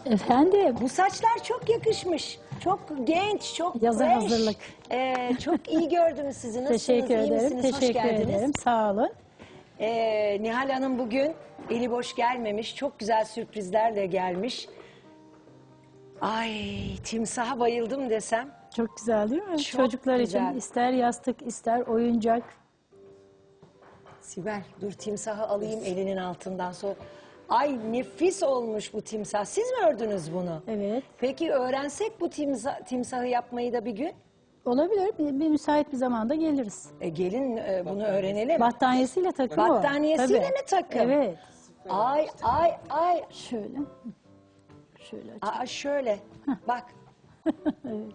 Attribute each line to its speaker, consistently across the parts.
Speaker 1: Efendim,
Speaker 2: Bu saçlar çok yakışmış. Çok genç, çok
Speaker 1: Yaza
Speaker 2: fresh.
Speaker 1: hazırlık.
Speaker 2: Çok iyi gördüm sizi. Nasılsınız?
Speaker 1: teşekkür
Speaker 2: İyi
Speaker 1: ederim,
Speaker 2: misiniz? Hoş
Speaker 1: teşekkür
Speaker 2: geldiniz.
Speaker 1: ederim. Sağ olun.
Speaker 2: Nihal Hanım bugün eli boş gelmemiş. Çok güzel sürprizlerle gelmiş. Ay, timsaha bayıldım desem.
Speaker 1: Çok güzel değil mi?
Speaker 2: Çok
Speaker 1: Çocuklar
Speaker 2: güzel.
Speaker 1: için ister yastık, ister oyuncak.
Speaker 2: Sibel, dur timsahı alayım elinin altından sonra. Ay nefis olmuş bu timsah. Siz mi ördünüz bunu?
Speaker 1: Evet.
Speaker 2: Peki öğrensek bu timsahı yapmayı da bir gün?
Speaker 1: Olabilir. Bir müsait bir zamanda geliriz.
Speaker 2: Gelin bunu öğrenelim.
Speaker 1: Battaniyesiyle takım o.
Speaker 2: Battaniyesiyle
Speaker 1: Tabii.
Speaker 2: mi takım?
Speaker 1: Evet.
Speaker 2: Ay ay ay.
Speaker 1: Şöyle. Şöyle aç.
Speaker 2: Aa, şöyle. Bak.
Speaker 1: Evet.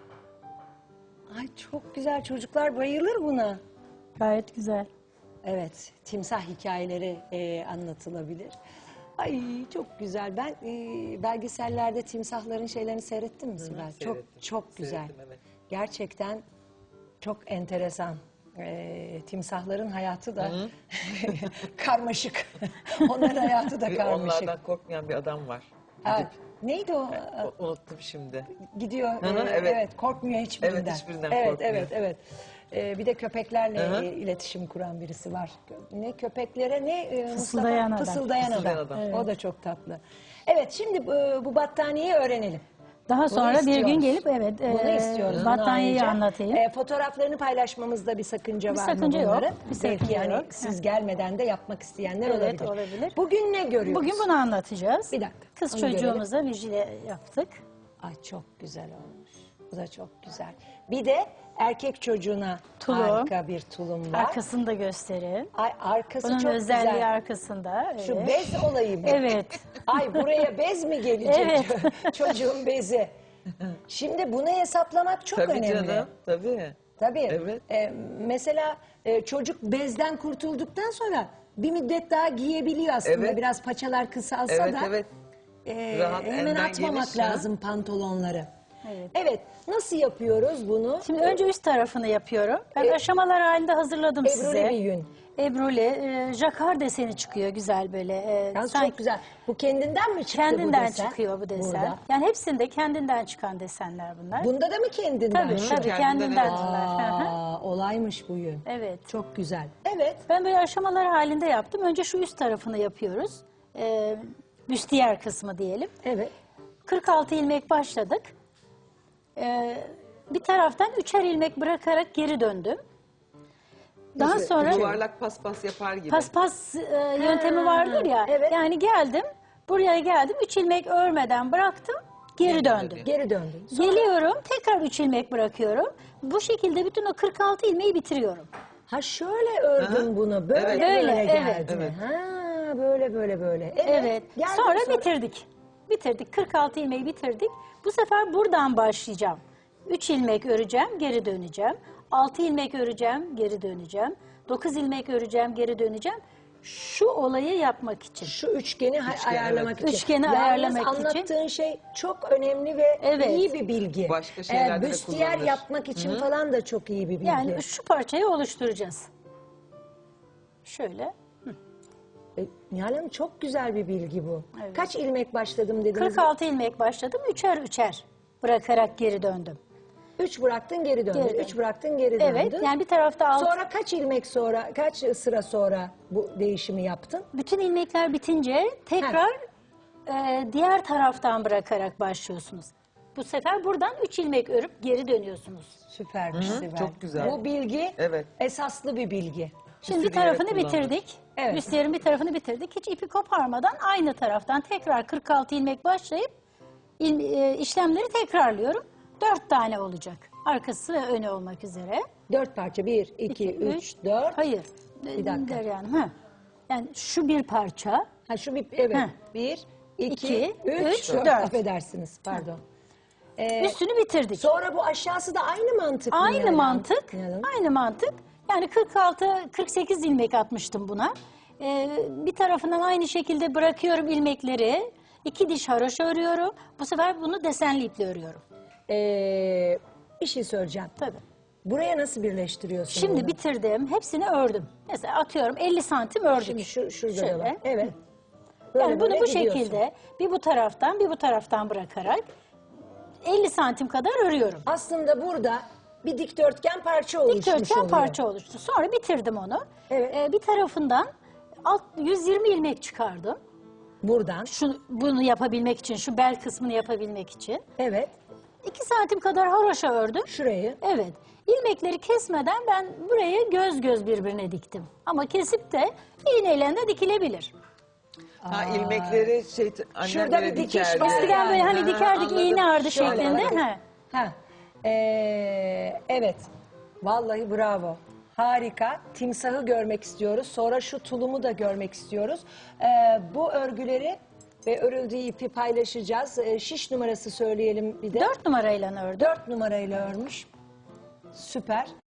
Speaker 2: Ay çok güzel. Çocuklar bayılır buna.
Speaker 1: Gayet güzel.
Speaker 2: Evet. Timsah hikayeleri anlatılabilir. Ay çok güzel. Ben belgesellerde timsahların şeylerini seyrettim mi Sibel? Çok güzel.
Speaker 3: Seyrettim, evet.
Speaker 2: Gerçekten çok enteresan. Timsahların hayatı da karmaşık. Onların hayatı da
Speaker 3: Bir
Speaker 2: karmaşık.
Speaker 3: onlardan korkmayan bir adam var.
Speaker 2: Evet. Neydi o?
Speaker 3: Unuttum şimdi.
Speaker 2: Gidiyor.
Speaker 3: Hı hı,
Speaker 2: evet.
Speaker 3: evet.
Speaker 2: Korkmuyor hiçbirinden.
Speaker 3: Evet, hiçbirinden
Speaker 2: evet,
Speaker 3: korkmuyor.
Speaker 2: Evet. Bir de köpeklerle
Speaker 3: Hı hı.
Speaker 2: iletişim kuran birisi var. Ne köpeklere ne
Speaker 1: Fısıldayan
Speaker 2: Mustafa?
Speaker 1: adam.
Speaker 2: Fısıldayan
Speaker 3: Fısıldayan
Speaker 2: adam.
Speaker 3: adam.
Speaker 2: O da çok tatlı. Evet şimdi bu battaniyeyi öğrenelim.
Speaker 1: Daha sonra bir
Speaker 2: istiyoruz.
Speaker 1: gün gelip
Speaker 2: Bunu istiyoruz.
Speaker 1: battaniyeyi
Speaker 2: Bunu
Speaker 1: anlatayım.
Speaker 2: Fotoğraflarını paylaşmamızda bir sakınca
Speaker 1: Bir
Speaker 2: var
Speaker 1: sakınca
Speaker 2: mı
Speaker 1: yok,
Speaker 2: bunların?
Speaker 1: bir sakınca
Speaker 2: Belki yani
Speaker 1: yok.
Speaker 2: siz gelmeden de yapmak isteyenler
Speaker 1: Evet,
Speaker 2: olabilir.
Speaker 1: olabilir.
Speaker 2: Bugün ne görüyoruz?
Speaker 1: Bugün bunu anlatacağız.
Speaker 2: Bir dakika,
Speaker 1: Kız
Speaker 2: onu görelim.
Speaker 1: çocuğumuza vijile yaptık.
Speaker 2: Ay çok güzel olmuş. Bu da çok güzel. Bir de erkek çocuğuna
Speaker 1: Tulum.
Speaker 2: harika bir tulum var.
Speaker 1: Arkasını da göstereyim.
Speaker 2: Ay arkası
Speaker 1: Bunun
Speaker 2: çok
Speaker 1: özelliği
Speaker 2: güzel.
Speaker 1: arkasında.
Speaker 2: Şu
Speaker 1: evet.
Speaker 2: bez olayı mı?
Speaker 1: Evet.
Speaker 2: Ay buraya bez mi gelecek?
Speaker 1: Evet.
Speaker 2: Çocuğun bezi. Şimdi bunu hesaplamak çok
Speaker 3: Tabii
Speaker 2: önemli.
Speaker 3: canım, tabii.
Speaker 2: Tabii.
Speaker 3: Evet.
Speaker 2: Mesela çocuk bezden kurtulduktan sonra bir müddet daha giyebiliyor aslında.
Speaker 3: Evet.
Speaker 2: Biraz paçalar kısalsa
Speaker 3: Evet,
Speaker 2: da.
Speaker 3: evet. Rahat,
Speaker 2: Hemen
Speaker 3: elden
Speaker 2: atmamak
Speaker 3: geniş ya.
Speaker 2: lazım pantolonları.
Speaker 1: Evet.
Speaker 2: Evet. Nasıl yapıyoruz bunu?
Speaker 1: Şimdi önce üst tarafını yapıyorum. Ben aşamalar halinde hazırladım
Speaker 2: Ebruli
Speaker 1: size.
Speaker 2: bir yün.
Speaker 1: Ebruli, jakar deseni çıkıyor güzel böyle.
Speaker 2: Yalnız
Speaker 1: sanki
Speaker 2: çok güzel. Bu kendinden mi çıktı bu
Speaker 1: kendinden
Speaker 2: desen?
Speaker 1: çıkıyor bu desen.
Speaker 2: Burada.
Speaker 1: Yani hepsinde kendinden çıkan desenler bunlar.
Speaker 2: Bunda da mı kendinden?
Speaker 1: Tabii
Speaker 2: çıktı?
Speaker 1: tabii
Speaker 3: kendinden,
Speaker 1: kendinden.
Speaker 3: evet.
Speaker 2: Olaymış bu yün.
Speaker 1: Evet.
Speaker 2: Çok güzel. Evet.
Speaker 1: Ben böyle aşamalar halinde yaptım. Önce şu üst tarafını yapıyoruz. Büstiyer kısmı diyelim.
Speaker 2: Evet.
Speaker 1: 46 ilmek başladık. Bir taraftan 3'er ilmek bırakarak geri döndüm. Daha
Speaker 3: İşte
Speaker 1: sonra
Speaker 3: yuvarlak paspas yapar gibi.
Speaker 1: paspas yöntemi vardır ya.
Speaker 2: evet.
Speaker 1: Yani geldim, buraya geldim, 3 ilmek örmeden bıraktım, geri döndüm.
Speaker 2: Geri döndün.
Speaker 1: Geliyorum, tekrar 3 ilmek bırakıyorum. Bu şekilde bütün o 46 ilmeği bitiriyorum.
Speaker 2: Ha şöyle ördün
Speaker 3: Aha.
Speaker 2: bunu. Böyle
Speaker 3: Evet.
Speaker 2: böyle
Speaker 1: Böyle,
Speaker 2: geldi.
Speaker 1: evet.
Speaker 3: Evet.
Speaker 2: Ha böyle.
Speaker 1: Evet.
Speaker 2: Geldim
Speaker 1: Sonra bitirdik. Bitirdik. 46 ilmeği bitirdik. Bu sefer buradan başlayacağım. 3 ilmek öreceğim, geri döneceğim. 6 ilmek öreceğim, geri döneceğim. 9 ilmek öreceğim, geri döneceğim. Şu olayı yapmak için.
Speaker 2: Şu üçgeni ayarlamak
Speaker 3: evet.
Speaker 2: için.
Speaker 1: Üçgeni
Speaker 2: Yalnız
Speaker 1: ayarlamak için.
Speaker 2: anlattığın şey çok önemli ve
Speaker 1: Evet.
Speaker 2: iyi bir bilgi.
Speaker 3: Başka şeylerde de
Speaker 2: büstiyer
Speaker 3: kullanılır.
Speaker 2: yapmak için falan da çok iyi bir bilgi.
Speaker 1: Yani şu parçayı oluşturacağız. Şöyle.
Speaker 2: Nihal Hanım çok güzel bir bilgi bu.
Speaker 1: Evet.
Speaker 2: Kaç ilmek başladım dediniz?
Speaker 1: 46 ilmek başladım. 3'er bırakarak geri döndüm.
Speaker 2: 3 bıraktın geri döndün.
Speaker 1: Geri
Speaker 2: 3 bıraktın geri döndün.
Speaker 1: Evet. Yani bir tarafta alt.
Speaker 2: Sonra kaç ilmek sonra, kaç sıra sonra bu değişimi yaptın?
Speaker 1: Bütün ilmekler bitince tekrar diğer taraftan bırakarak başlıyorsunuz. Bu sefer buradan 3 ilmek örüp geri dönüyorsunuz.
Speaker 2: Süpermiş Sibel.
Speaker 3: çok güzel.
Speaker 2: Bu bilgi
Speaker 3: Evet.
Speaker 2: esaslı bir bilgi.
Speaker 1: Şimdi bir
Speaker 3: sürü yere
Speaker 1: tarafını
Speaker 3: kullanılır.
Speaker 1: bitirdik.
Speaker 2: Evet.
Speaker 1: Büstiyerin bir tarafını bitirdik. Hiç ipi koparmadan aynı taraftan tekrar 46 ilmek başlayıp işlemleri tekrarlıyorum. 4 tane olacak. Arkası ve önü olmak üzere.
Speaker 2: 4 parça. 1, 2, 3, 4.
Speaker 1: Hayır.
Speaker 2: Bir dakika.
Speaker 1: Yani, yani şu bir parça.
Speaker 2: Ha şu bir, evet.
Speaker 1: Heh.
Speaker 2: 1, 2,
Speaker 1: İki,
Speaker 2: 3,
Speaker 1: üç,
Speaker 2: 4.
Speaker 1: dört.
Speaker 2: Affedersiniz, pardon.
Speaker 1: Üstünü bitirdik.
Speaker 2: Sonra bu aşağısı da aynı mantık mı?
Speaker 1: Aynı
Speaker 2: yani?
Speaker 1: mantık.
Speaker 2: Nihal Hanım?
Speaker 1: Aynı mantık. Yani 46-48 ilmek atmıştım buna. Bir tarafından aynı şekilde bırakıyorum ilmekleri. 2 diş haroşa örüyorum. Bu sefer bunu desenli iple örüyorum.
Speaker 2: Bir şey söyleyeceğim.
Speaker 1: Tabii.
Speaker 2: Buraya nasıl birleştiriyorsun
Speaker 1: Şimdi
Speaker 2: bunu?
Speaker 1: bitirdim. Hepsini ördüm. Mesela atıyorum 50 santim ördük.
Speaker 2: Şimdi şurada
Speaker 1: Şöyle.
Speaker 2: da var. Evet. Böyle
Speaker 1: Yani bunu
Speaker 2: böyle
Speaker 1: bu
Speaker 2: gidiyorsun.
Speaker 1: şekilde bir bu taraftan bir bu taraftan bırakarak 50 santim kadar örüyorum.
Speaker 2: Aslında burada bir dikdörtgen parça oluşmuş
Speaker 1: Dikdörtgen
Speaker 2: oluyor.
Speaker 1: parça oluştu. Sonra bitirdim onu.
Speaker 2: Evet.
Speaker 1: Bir tarafından 120 ilmek çıkardım.
Speaker 2: Buradan.
Speaker 1: Bunu yapabilmek için, şu bel kısmını yapabilmek için.
Speaker 2: Evet.
Speaker 1: 2 santim kadar haroşa ördüm.
Speaker 2: Şurayı.
Speaker 1: Evet. İlmekleri kesmeden ben burayı göz göz birbirine diktim. Ama kesip de iğneyle de dikilebilir.
Speaker 3: Ha, ilmekleri annemlere
Speaker 2: Şurada bir dikiş
Speaker 3: dikerdi.
Speaker 2: var.
Speaker 1: Eskiden böyle hani
Speaker 3: Ha,
Speaker 1: dikerdik
Speaker 3: anladım.
Speaker 1: iğne ardı
Speaker 2: Şöyle
Speaker 1: şeklinde.
Speaker 2: bakın.
Speaker 1: He.
Speaker 2: Ha. Evet. Vallahi bravo. Harika. Timsahı görmek istiyoruz. Sonra şu tulumu da görmek istiyoruz. Bu örgüleri ve örüldüğü ipi paylaşacağız. Şiş numarası söyleyelim bir de.
Speaker 1: 4 numarayla ördüm.
Speaker 2: 4 numarayla örmüş. Süper.